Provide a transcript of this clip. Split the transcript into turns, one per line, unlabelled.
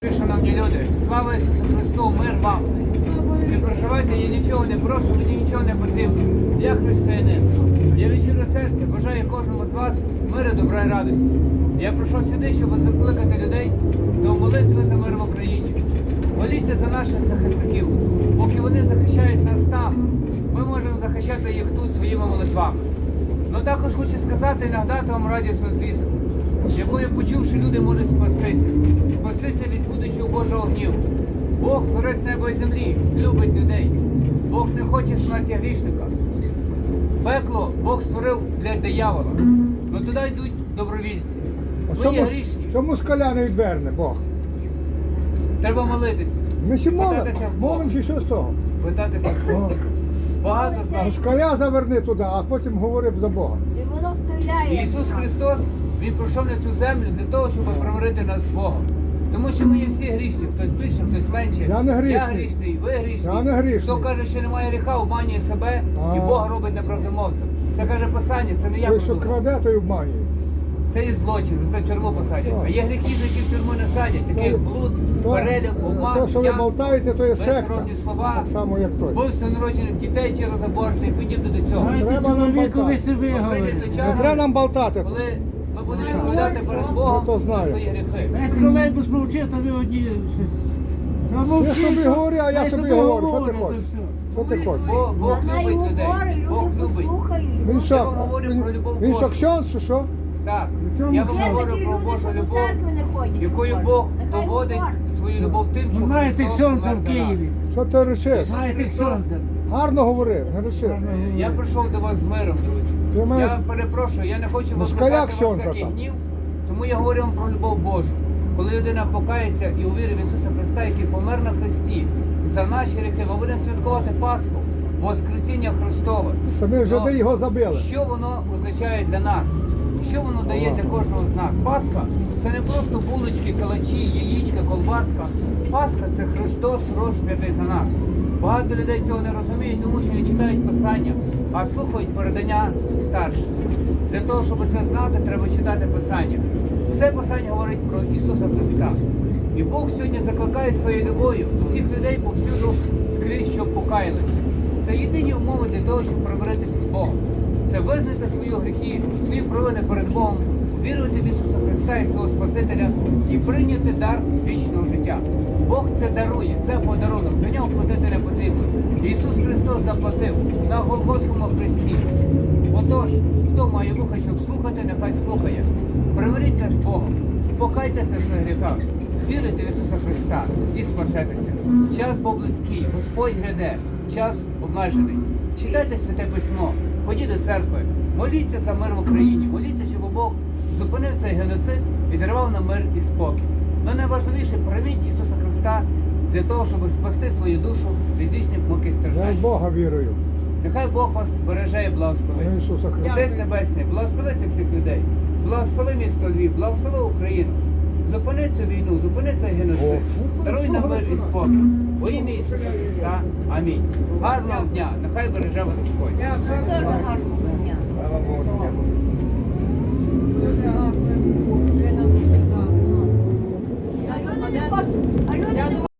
Шановні люди, слава Ісусу Христу, мир вам! Не проживайте, я нічого не прошу, мені нічого не потрібно. Я християнин. Я від щирого серця бажаю кожному з вас миру, добра і радості. Я прийшов сюди, щоб закликати людей до молитви за мир в Україні. Моліться за наших захисників. Поки вони захищають нас там, ми можемо захищати їх тут своїми молитвами. Ну також хочу сказати і нагадати вам радісну звістку, якою почувши люди можуть спастися. Спастися від будучого Божого гніву. Бог, творець неба і землі, любить людей. Бог не хоче смерті грішника. Пекло Бог створив для диявола. Но туди йдуть добровільці. Ви є грішні.
Чому скаля не відверне Бог?
Треба молитися.
Ми ще
Питатися в Бога.
молимо чи що з того?
Питатися в Бога. Багато з нас.
Скаля заверни туди, а потім говори за Бога.
І воно стріляє.
Ісус Христос, Він прийшов на цю землю для того, щоб примирити нас з Богом. Тому що ми є всі грішні, хтось більше, хтось менше.
Я не грішний.
Я грішний, ви грішні.
Я не грішний.
Хто каже, що немає гріха, обманює себе і Бог робить неправдомовцем. Це каже Писання, це не я
Той, що
придумав.
краде, той обманює.
Це і злочин, за це в тюрму посадять. А є гріхи, за які в тюрму не садять, такі як блуд, перелюб, обман,
То, що ви
п'янство,
болтаєте, то є секта.
безсоромні слова,
Так само, як той.
вбивство народжених дітей через аборт і подібне до цього.
Треба нам болтати.
собі
Прийде той
Не
час,
треба нам болтати.
коли ми будемо відповідати перед Богом
Ну, то
за
знаю.
свої гріхи.
Весь тролейбус мовчить, а ви одні щось. Та мовчіть,
Я собі
що-
говорю, а я
хай
собі говорю. Що ти
говорите,
хочеш?
все.
Що ти хочеш?
Бог
Вона
любить
його
людей.
говорить,
Бог
люди
любить.
послухають.
Він
Я
що?
вам говорю про любов
Він що,
Божу.
ксьонз, чи що?
Так,
чому
я вам
Є
говорю
такі
про
люди,
Божу
що до
любов,
церкви не ходять.
якою Бог
Нехай
доводить
говорять.
свою любов тим, що
Ви знаєте
Христос
ксьонза
помер
в
за нас.
Києві.
Що ти речиш?
Знаєте ксьонза.
Гарно говори, не речи.
Я прийшов до вас з миром, друзі.
Ти маєш-
Я перепрошую, я не хочу
Москаля
викликати вас
ксьонза
всякий
там.
гнів, тому я говорю вам про любов Божу. Коли людина покається і увірить в Ісуса Христа, який помер на Христі, за наші гріхи, ми будемо святкувати Пасху, Воскресіння Христове.
Самі жиди
Но
його забили.
Що воно означає для нас? Що воно дає для кожного з нас? Пасха – це не просто булочки, калачі, яєчка, колбаска. Пасха – це Христос розп'ятий за нас. Багато людей цього не розуміють, тому що не читають Писання, а слухають передання старших. Для того, щоб це знати, треба читати Писання. Все Писання говорить про Ісуса Христа. І Бог сьогодні закликає своєю любов'ю усіх людей повсюду скрізь, щоб покаялися. Це єдині умови для того, щоб примиритися з Богом. Це визнати свої гріхи, свої провини перед Богом, вірувати в Ісуса Христа як свого Спасителя і прийняти дар вічного життя. Бог це дарує, це подарунок, за нього платити не потрібно. Ісус Христос заплатив на Голгофському хресті. Отож, хто має вуха, щоб слухати, нехай слухає. Примиріться з Богом, покайтеся в своїх гріхах, вірите в Ісуса Христа і спасетеся. Час був близький, Господь гряде, час обмежений. Читайте Святе Письмо, ходіть до церкви, моліться за мир в Україні, моліться, щоб Бог зупинив цей геноцид і дарував нам мир і спокій. Но найважливіше, прийміть Ісуса Христа для того, щоб спасти свою душу від вічних мук і
Я в
страждань.
Бога вірую.
Нехай Бог вас береже і благословить.
На Ісуса Христа.
Отець Небесний, благослови цих всіх людей. Благослови місто Львів, благослови Україну. Зупини цю війну, зупини цей геноцид. Даруй нам мир і спокій. Во ім'я Ісуса Христа. Амінь. Гарного дня. Нехай береже вас Господь.
Дуже гарно.
Слава Богу.